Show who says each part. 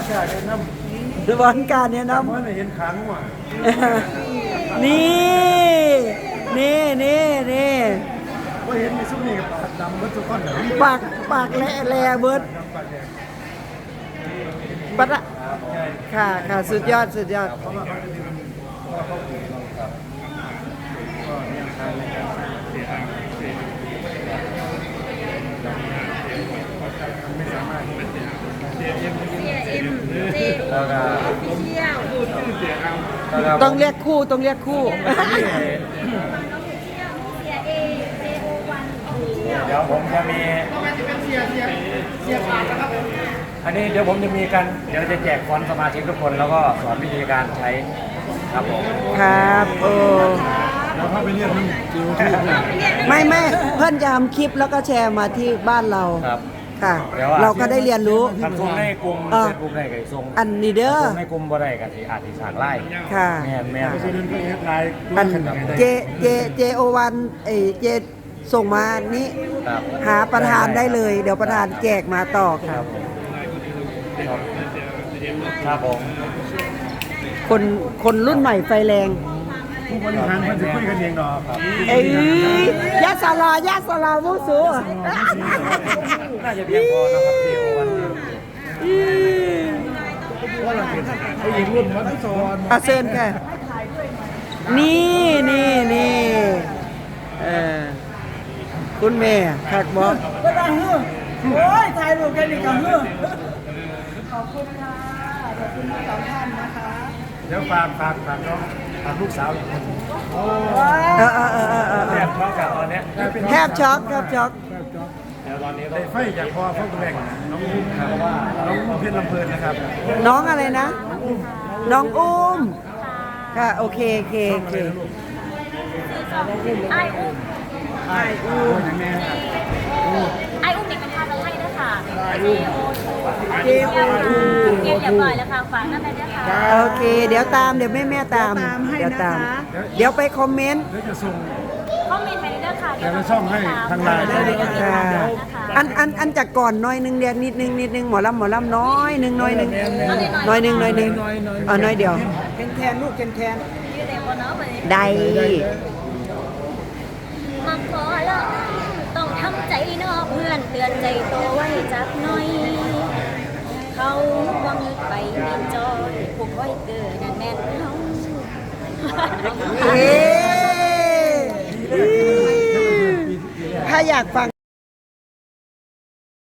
Speaker 1: ชาติน้ำ
Speaker 2: บอลการเนี่ยนะ
Speaker 1: เมื่อเห็นขังว่ะ
Speaker 2: นี่
Speaker 1: ว่าเห็นในซุ้มนี่กับปากดำมันทุกคนเหรอ
Speaker 2: ปากแหล่เบิร์ดปัดอะค่ะสุดยอด
Speaker 1: เพราะว่าเขาจะเป็นเพราะว่าเขาปลูกเราครับก็ยังทานในการไม่สามารถแล้วก็
Speaker 2: ต้องเรียกคู่
Speaker 1: เดี๋ยวผมจะมีอันนี้เดี๋ยวผมจะมีกันเดี๋ยวจะแจกฟอนต์สมาชิกทุกคนแล้วก็สอนวิธีการใช้ครับผม
Speaker 2: ครับ
Speaker 1: แล้วเข้าไปเรียกมันจิวที่
Speaker 2: ไม่เพื่อนจะทำคลิปแล้วก็แชร์มาที่บ้านเรา
Speaker 1: ครับ
Speaker 2: ค่ะ เราก็ได้เรียนรู้
Speaker 1: ทำส่งในกลุ่มในกลุ่มได้กับส่ง
Speaker 2: อันนี้เด้อ
Speaker 1: ในกลุ่มบ่ได้กับที่อาจจะสั่งไล่
Speaker 2: ค่ะ
Speaker 1: แม่ก็เฮ็ดไลน์
Speaker 2: อันเจโอวันเจส่งมานี้หาประธานได้เลย เดี๋ยวประธานแจกมาต่อ
Speaker 1: ค
Speaker 2: ค่ะ
Speaker 1: รับครับผม
Speaker 2: คนรุ่นใหม่ไฟแรง
Speaker 1: ผู้บริหารมันจะคุยกันเองเนาะครับ
Speaker 2: เอ้ยยาสลามุสู
Speaker 1: น่าจะเพียงพอนะครับเดี๋ยววันว่าเราเป็นผู้หญิงรุ่นวัดสอน
Speaker 2: อาเซินค่ะนี่คุณแม่คักบอก
Speaker 3: ก็ได้เฮ้อโอ้ยถ่ายรูปกันอีกกันเฮ้อขอบคุณค่ะ ขอบคุณทั้งสองท่านนะคะ
Speaker 1: เดี๋ยวฝากน้องฝากลูกสาวอีกคนโอ้ แทบช็อกกับตอนเนี้ย
Speaker 2: แทบช็อก
Speaker 1: เดี๋ยวตอนนี้ได้ไฟจากพ่อพ่อคุณแม่น้องอุ้มครับเพราะว่าน้องอุ้มเพชรลำเพลินนะครับ
Speaker 2: น้องอะไรนะ น้องอุ้มค่ะโอเค
Speaker 4: ไออุ้ม
Speaker 1: ไอ้อุ้มอย่างแม่ครับ
Speaker 4: ไออุ้มเด็กเป็นภาษาไทยด้วยค่ะ
Speaker 2: เจโอ
Speaker 4: เกียรเรียบร้อยแล้วค่ะฝากนั่นเลยด้วยค่ะ
Speaker 2: โอเค เดี๋ยวตามเดี๋ยวแม่ตามเดี๋ยวตาม เดี๋ยวไปคอมเมนต์
Speaker 1: เดี๋ยวจะส่ง
Speaker 4: คอมเมนต์ไปด้วยค่ะ
Speaker 1: เดี๋ยวเราช่องให้ทางไลน์ได้เลยครับ
Speaker 2: ค่ะอันจากก่อนน้อยนึงเรียกนิดนึงหมอลำน้อยนึงน้อยนึงน้อยเดียว
Speaker 3: แทนลูกแทน
Speaker 4: ยืดเด็กบนเนาะไป
Speaker 2: ได้
Speaker 4: มาขอแล้วต้องทำใจเนาะเพื่อนเตือนใจตัวไว้จักหน่อย เขาว่ามีไปเรียนจอยผูกไว้เกิดแน่นๆเขา
Speaker 2: ถ้าอยากฟัง